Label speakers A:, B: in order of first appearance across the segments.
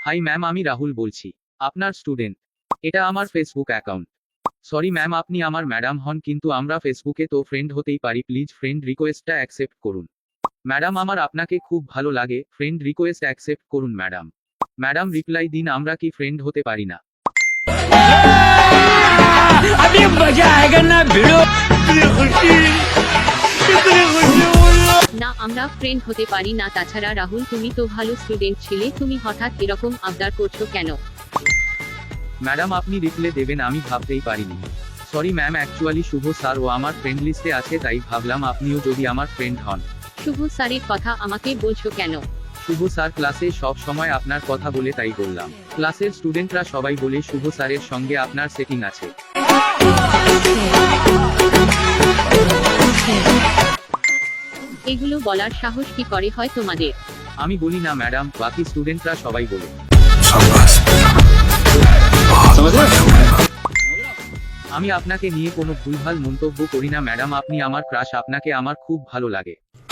A: Hi ma'am, আমি রাহুল বলছি, আপনার স্টুডেন্ট। এটা আমার ফেসবুক অ্যাকাউন্ট। সরি ম্যাম, আপনি আমার ম্যাডাম হন, কিন্তু আমরা ফেসবুকে তো ফ্রেন্ড হতেই পারি। প্লিজ ফ্রেন্ড রিকোয়েস্টটা অ্যাকসেপ্ট করুন। ম্যাডাম, আমার আপনাকে খুব ভালো লাগে, ফ্রেন্ড রিকোয়েস্ট অ্যাকসেপ্ট করুন ম্যাডাম। ম্যাডাম রিপ্লাই দিন, আমরা কি ফ্রেন্ড হতে পারি না?
B: अभी मजा आएगा ना भिड़ो। इतनी खुशी
C: না, আমরা ফ্রেন্ড হতে পারি না। তাছাড়া রাহুল, তুমি তো ভালো স্টুডেন্ট ছিলে, তুমি হঠাৎ এরকম আবদার করছো কেন?
A: ম্যাডাম, আপনি রিপ্লে দেবেন আমি ভাবতেই পারিনি। Sorry ma'am, actually Shubho sir ও আমার ফ্রেন্ড লিস্টে আছে, তাই ভাবলাম আপনিও যদি আমার ফ্রেন্ড হন।
C: শুভ স্যারের কথা আমাকে বলছো কেন?
A: শুভ স্যার ক্লাসে সব সময় আপনার কথা বলে, তাই বললাম। ক্লাসের স্টুডেন্টরা সবাই বলে শুভ স্যারের সঙ্গে আপনার সেটিং আছে।
C: এগুলো বলার সাহস কি করে হয় তোমাদের?
A: আমি বলি না ম্যাডাম, বাকি স্টুডেন্টরা সবাই বলে। আমি আপনাকে নিয়ে কোনো ভুলভাল মন্তব্য করি না ম্যাডাম, আপনি আমার ক্রাশ, আপনাকে আমার খুব ভালো লাগে।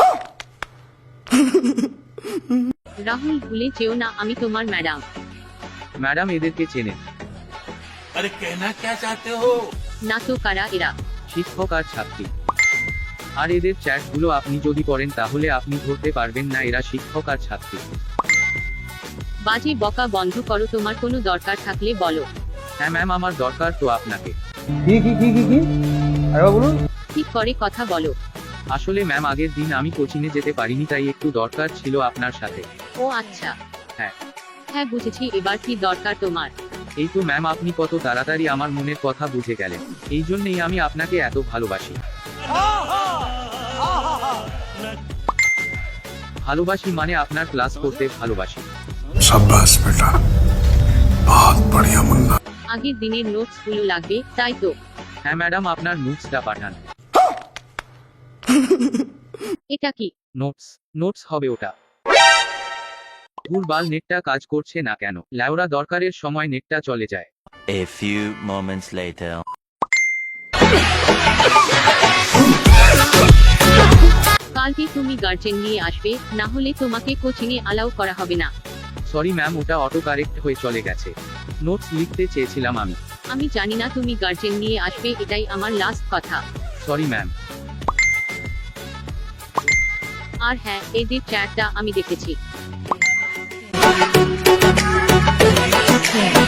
C: রাহুল, ভুলে যেও না আমি তোমার ম্যাডাম।
A: ম্যাডাম, এদেরকে চেনেন?
B: अरे कहना क्या चाहते हो?
C: না তো, কারা এরা?
A: শিক্ষক আর ছাত্রী। আর এদের চ্যাটগুলো আপনি যদি করেন তাহলে আপনি ধরতে পারবেন না এরা শিক্ষক আর ছাত্রী।
C: বাজে বকা বন্ধ করো, তোমার কোনো দরকার থাকলে বলো।
A: হ্যাঁ ম্যাম, আমার দরকার তো আপনাকে।
D: কি আরে বলুন।
C: ঠিক করে কথা বলো।
A: আসলে ম্যাম, আগের দিন আমি কোচিংয়ে যেতে পারিনি, তাই একটু দরকার ছিল আপনার সাথে।
C: ও আচ্ছা।
A: হ্যাঁ।
C: হ্যাঁ বুঝেছি, এবার কি দরকার তোমার?
A: এই তো ম্যাম, আপনি কত তাড়াতাড়ি আমার মনের কথা বুঝে গেলেন। এই জন্যই আমি আপনাকে এত ভালোবাসি। ভালোবাসি মানে আপনার ক্লাস করতে ভালোবাসি।
E: शाबाश बेटा, बहुत बढ़िया मुन्ना।
C: আগের দিনের নোটস গুলো লাগবে, তাই তো?
A: হ্যাঁ ম্যাডাম, আপনার নোটসটা পাঠান।
C: এটা কি?
A: নোটস হবে ওটা। ভুলবাল, নেটটা কাজ করছে না কেন? ল্যাওরা, দরকারের সময় নেটটা চলে যায়।
F: A few moments later.
C: কালকে তুমি গার্জেন নিয়ে আসবে, না হলে তোমাকে কোচিংয়ে অ্যালাউ করা হবে না।
A: সরি ম্যাম, ওটা অটো কারেক্ট হয়ে চলে গেছে। নোটস লিখতে চেয়েছিলাম আমি।
C: আমি জানি না তুমি গার্জেন নিয়ে আসবে, এটাই আমার লাস্ট কথা।
A: Sorry ma'am.
C: আর হ্যাঁ, এদের চ্যাটটা আমি দেখেছি।